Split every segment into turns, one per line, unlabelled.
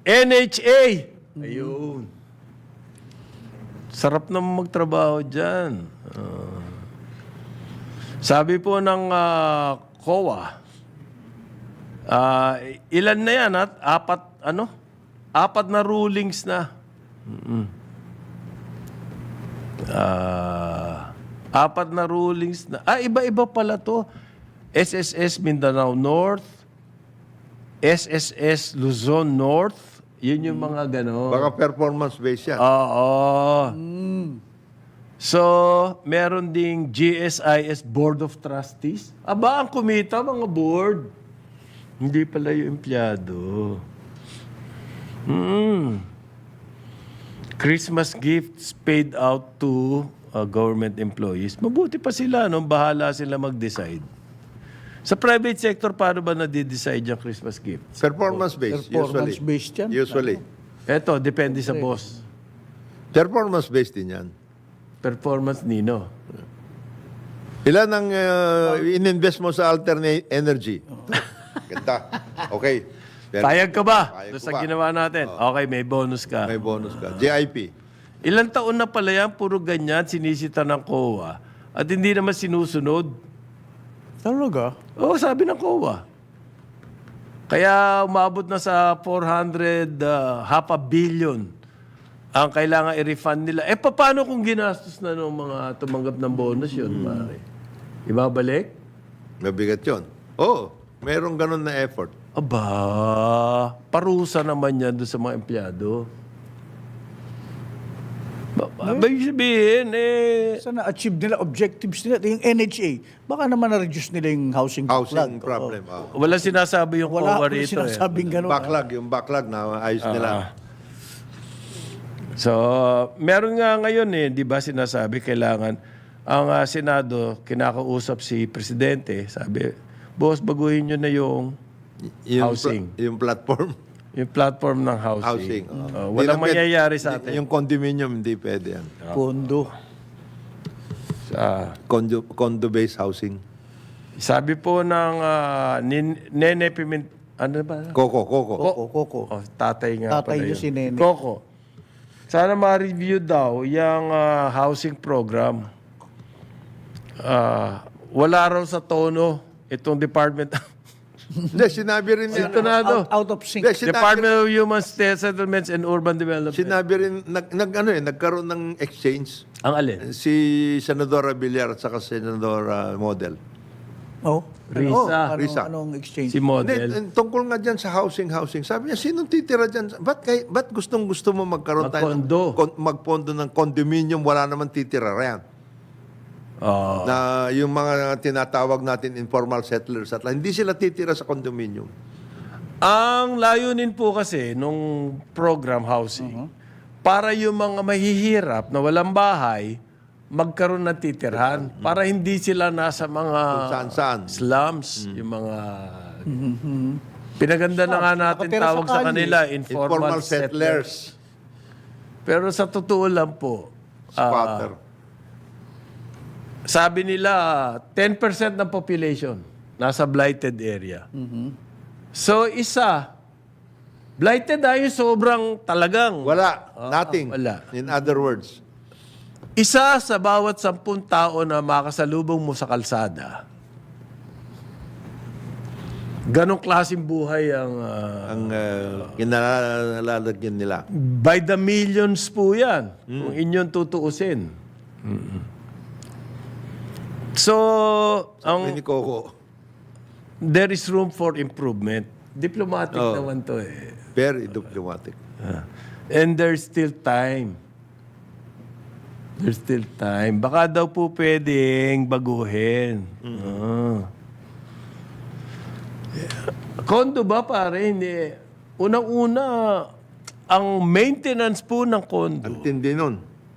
NHA. Ayun. Sarap naman magtrabaho dyan. Sabi po ng COA, ilan na yan at apat na rulings na. Apat na rulings na. Iba-iba pala to. SSS Mindanao North, SSS Luzon North, yun yung mga gano'n.
Baka performance-based yan.
Oo. So, meron ding GSIS Board of Trustees. Aba, ang kumita, mga board. Hindi pala yung empleyado. Christmas gifts paid out to government employees. Mabuti pa sila, no? Bahala sila mag-decide. Sa private sector, paano ba nadi-decide yung Christmas gifts?
Performance-based,
Performance-based yan.
Usually.
Eto, depende sa boss.
Performance-based din yan.
Performance nino.
Ilan ang in-invest mo sa alternate energy? Ganda. Okay.
Payag ka ba?
Payag
Doon
ko
sa
ba?
ginawa natin. Okay, may bonus ka.
May bonus ka. JIP.
Ilang taon na pala yan, puro ganyan, sinisita ng COA. At hindi naman sinusunod.
Talaga?
Oo, sabi ng COA. Kaya umabot na sa 400, half a billion ang kailangan i-refund nila. Paano kung ginastos na ng mga tumanggap ng bonus yun, pare? Ibabalik?
Mabigat yun. Oo. Merong ganun na effort.
Aba, parusa naman yan doon sa mga empleyado. May sabihin,
Sana achieve nila, objectives nila, yung NHA, baka naman na-reduce nila yung housing
Housing
backlog.
problem. Oo.
wala sinasabi yung
Wala
COA
akong
rito.
sinasabing gano'n.
Yung backlog na ayos nila.
So, meron nga ngayon di ba sinasabi kailangan ang Senado kinakausap si Presidente, sabi, boss, baguhin nyo na yung housing.
Yung platform.
Yung platform ng housing.
Housing.
Walang mangyayari sa atin.
Yung condominium, hindi pwede yan.
Pondo.
Condo-based housing.
Sabi po ng Nene Pimentel, ano ba?
Coco.
Koko.
Oh, tatay nga
Tatay
pala
niyo si Nene.
Coco. Sana ma-review daw yung housing program. Wala raw sa tono itong Department
Hindi, sinabi rin niya.
Sintonado.
Out of sync.
Hindi,
Department of Human Settlements and Urban Development.
Sinabi rin, nagkaroon ng exchange
Ang alin?
si Senadora Villar at saka Senadora Model.
Oh.
Risa.
Risa.
Anong exchange?
Si Model.
Hindi, tungkol nga dyan sa housing. Sabi niya, sinong titira dyan? Ba't gustong-gusto mo magkaroon tayo
Magpondo.
magpondo ng condominium, wala naman titira riyan? Na yung mga tinatawag natin informal settlers at hindi sila titira sa condominium.
Ang layunin po kasi nung program housing, para yung mga mahihirap na walang bahay, magkaroon ng titirhan. Para hindi sila nasa mga
Saan-saan.
slums, yung mga... Pinaganda na nga natin
Nakatira sa
tawag sa
kalye.
kanila, informal settlers. Pero sa totoo lang po,
Squatter.
sabi nila 10% ng population nasa blighted area. So blighted yung sobrang talagang
Wala. Nothing.
wala.
In other words.
isa sa bawat 10 tao na makasalubong mo sa kalsada. Ganong klaseng buhay ang
Ang kinalalagyan nila.
by the millions po yan kung inyong tutuusin. So,
Ni Coco.
there is room for improvement. Diplomatic naman to
Very diplomatic.
And there's still time. There's still time. Baka daw po pwedeng baguhin. Kondo ba pare? Hindi. Unang-una, ang maintenance po ng kondo.
Ang tindi nun.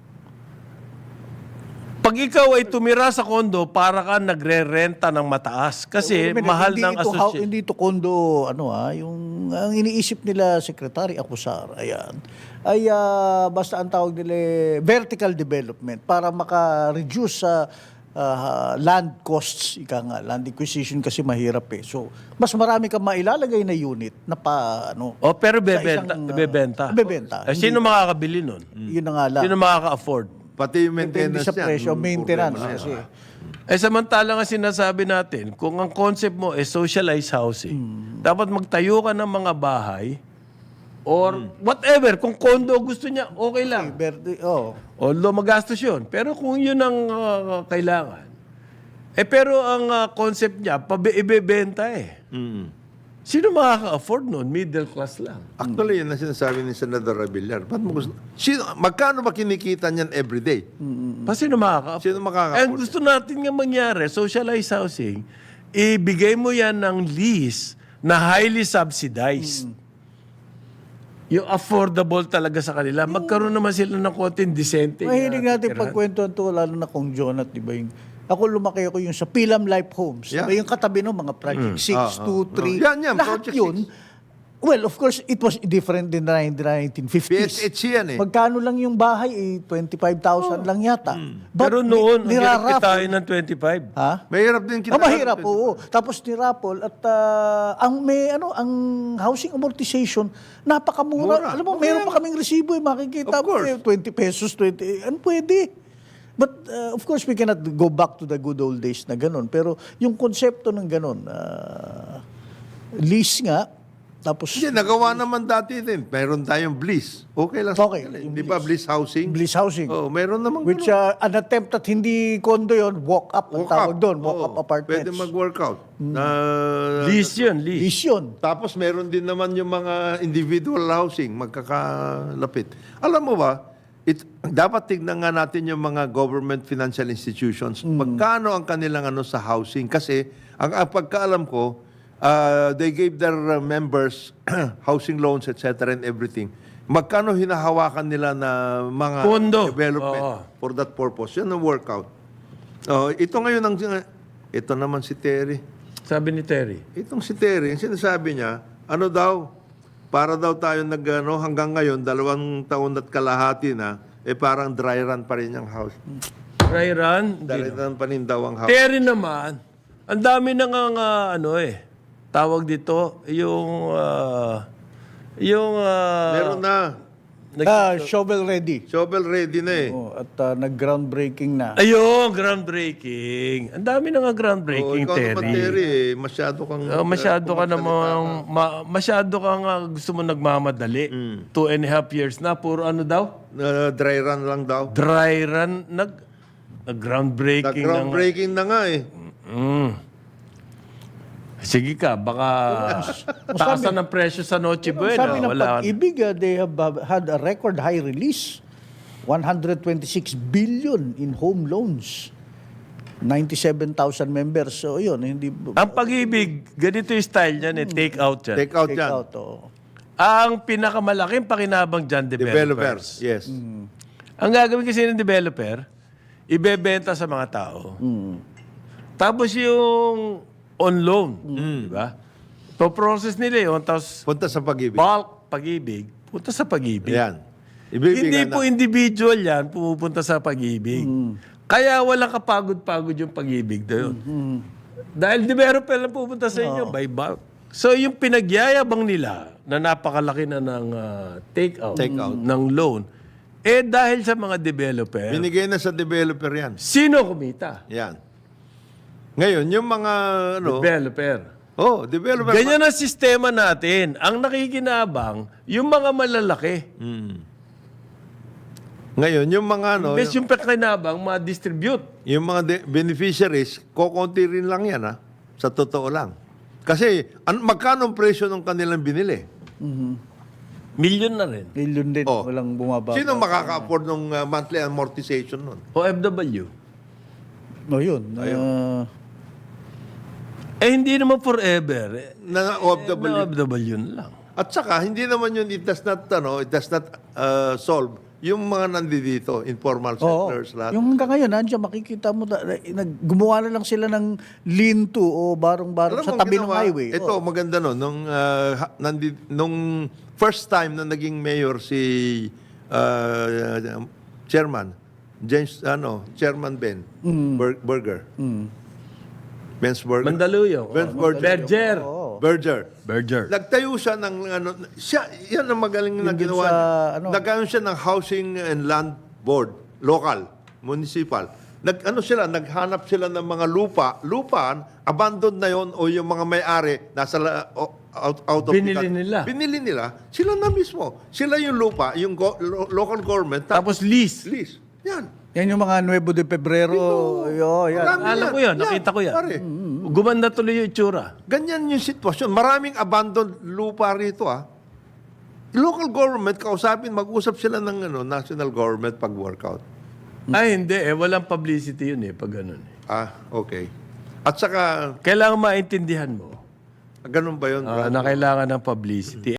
Pag ikaw ay tumira sa kondo, para ka nagre-renta ng mataas. Kasi mahal ng association.
Hindi ito kondo, yung ang iniisip nila Secretary Acusar, ayan, ay basta ang tawag nila vertical development para maka-reduce sa land costs, ika nga, land acquisition kasi mahirap eh. So, mas marami kang mailalagay na unit na
O pero
sa
bebenta.
isang,
Bebenta.
bebenta.
Sino makakabili nun?
Yun na nga lang.
Sino makaka-afford?
Pati yung
Depende
maintenance
sa
yan,
presyo,
yung
maintenance.
problema na
Kasi,
yan.
Samantala nga sinasabi natin, kung ang concept mo is socialized housing, dapat magtayo ka ng mga bahay or whatever. Kung condo gusto niya, okay lang. Although magastos yun. Pero kung yun ang kailangan. Pero ang concept niya, ibebenta eh. Sino makaka-afford nun? Middle class lang.
Actually, yun ang sinasabi ni Senador Rabillar. Ba't mo gusto? Magkano ba kinikita niyan everyday?
Pa sino makaka-afford?
Sino makaka-afford?
And gusto natin nga mangyari, socialized housing, ibigay mo yan ng lease na highly subsidized. Yung affordable talaga sa kanila. Magkaroon naman sila ng konting decente.
mahilig natin pagkwentuhan to, lalo na kung Jonat, di ba yung ako lumaki ako yung sa Pilam Life Homes.
Yeah.
Diba yung katabi ng mga Project 6, 2, 3.
Yan,
lahat
Project
yun. Well, of course, it was different in the 1950s.
PSH yan eh.
Magkano lang yung bahay? 25,000 lang yata.
Pero noon, ang hirap
niraraffle.
kitain ng 25.
Ha?
Mahirap din kita.
Mahirap, oo. Tapos niraffle at ang ang housing amortization napakamura.
Mura.
Alam mo, meron pa kaming resibo makikita
Of
mo
course.
20 pesos, 20. Ano pwede? But of course, we cannot go back to the good old days na ganun. Pero yung konsepto ng ganun, lease nga, tapos
Hindi, nagawa naman dati din. Meron tayong Bliss. Okay lang.
Okay,
Di ba Bliss Housing?
Bliss housing.
Oh, meron naman
Which an attempt at hindi condo yon, walk up ang tawag doon, walk up apartments.
Pwede mag-workout.
Lease yun, lease.
Lease yun.
Tapos meron din naman yung mga individual housing, magkakalapit. Alam mo ba, dapat tignan nga natin yung mga government financial institutions. Magkano ang kanilang sa housing? Kasi ang pagkaalam ko, they gave their members housing loans, etc. and everything. Magkano hinahawakan nila na mga
Pondo.
development for that purpose? Yan ang workout. Ito ngayon, ito naman si Terry.
Sabi ni Terry.
Itong si Terry, ang sinasabi niya, para daw tayo hanggang ngayon, 2 taon at kalahati na, parang dry run pa rin yung house.
Dry run.
Dry run pa rin daw ang house.
Terry naman, ang dami na nga tawag dito,
Meron na.
Shovel ready.
Shovel ready na eh.
At nag-groundbreaking na.
Ayun, groundbreaking. Ang dami na nga groundbreaking,
Ikaw naman,
Terry.
Terry, masyado kang...
Masyado ka namang, masyado ka nga gusto mo nagmamadali. 2.5 years na, puro ano daw?
Dry run lang daw.
Dry run, groundbreaking na nga.
Groundbreaking na nga eh.
Sige ka, baka taasan ang presyo sa Noche Buena.
Sabi ng
Wala.
Pag-ibig, they have had a record high release. 126 billion in home loans. 97,000 members. So, yun. Hindi,
Ang Pag-ibig, ganito yung style niyan take out yan.
Take out
take
yan.
out.
Ang pinakamalaking pakinabang dyan, developers.
Yes.
Ang gagawin kasi ng developer, ibebenta sa mga tao. Tapos yung on loan, di ba? To-process nila yun, tapos
Punta sa pag-ibig.
bulk Pag-ibig, punta sa Pag-ibig.
Yan.
Hindi
Ibibigay
po
na.
individual yan, pumupunta sa Pag-ibig. Kaya walang kapagod-pagod yung Pag-ibig doon. Dahil developer lang pupunta sa inyo by bulk. So yung pinagyayabang nila na napakalaki na ng take-out ng loan, dahil sa mga developer,
Binigay na sa developer yan.
sino kumita?
Yan. Ngayon, yung mga
Developer.
developer.
Ganyan ang sistema natin. Ang nakikinabang, yung mga malalaki.
Ngayon, yung mga
Imbes yung pakinabang, ma-distribute.
yung mga beneficiaries, kokonti rin lang yan sa totoo lang. Kasi magkano ang presyo ng kanilang binili?
Milyon na rin.
Million din. Walang bumaba.
Sino makaka-afford ng monthly amortization nun?
OFW.
Yun.
Hindi naman forever.
Na OFW.
OFW na lang.
At saka, hindi naman yun, it does not solve yung mga nandito, informal settlers, lahat.
Yung hanggang ngayon, nandiyan, makikita mo, gumawa na lang sila ng lean-to o barong-barong
Alam
sa
mo,
tabi ng
ginawa,
highway.
Ito, maganda no. Nung first time na naging mayor si chairman, Chairman Ben Burger. Ben's Burger.
Mandaluyong.
Ben's Burger.
Berger.
Berger. Nagtayo siya ng yan ang magaling na
Yun din
ginawa
sa,
niya. Nagkaroon siya ng Housing and Land Board, local, municipal. Naghanap sila ng mga lupaan, abandoned na yon o yung mga may-ari nasa out of
Binili nila.
Binili nila. Sila na mismo. Sila yung lupa, yung local government.
Tapos lease.
Lease. Yan.
Yan yung mga Nuevo de Febrero. Yan.
Marami
Alam ko yan, nakita ko yan.
Pare.
Gumanda tuloy yung itsura.
Ganyan yung sitwasyon. Maraming abandoned lupa rito Local government, kausapin, mag-usap sila ng national government pag-workout.
Ay, hindi. Walang publicity yun pag ganun.
Okay. At saka,
Kailangan maintindihan mo
ganun ba yun?
na kailangan ng publicity.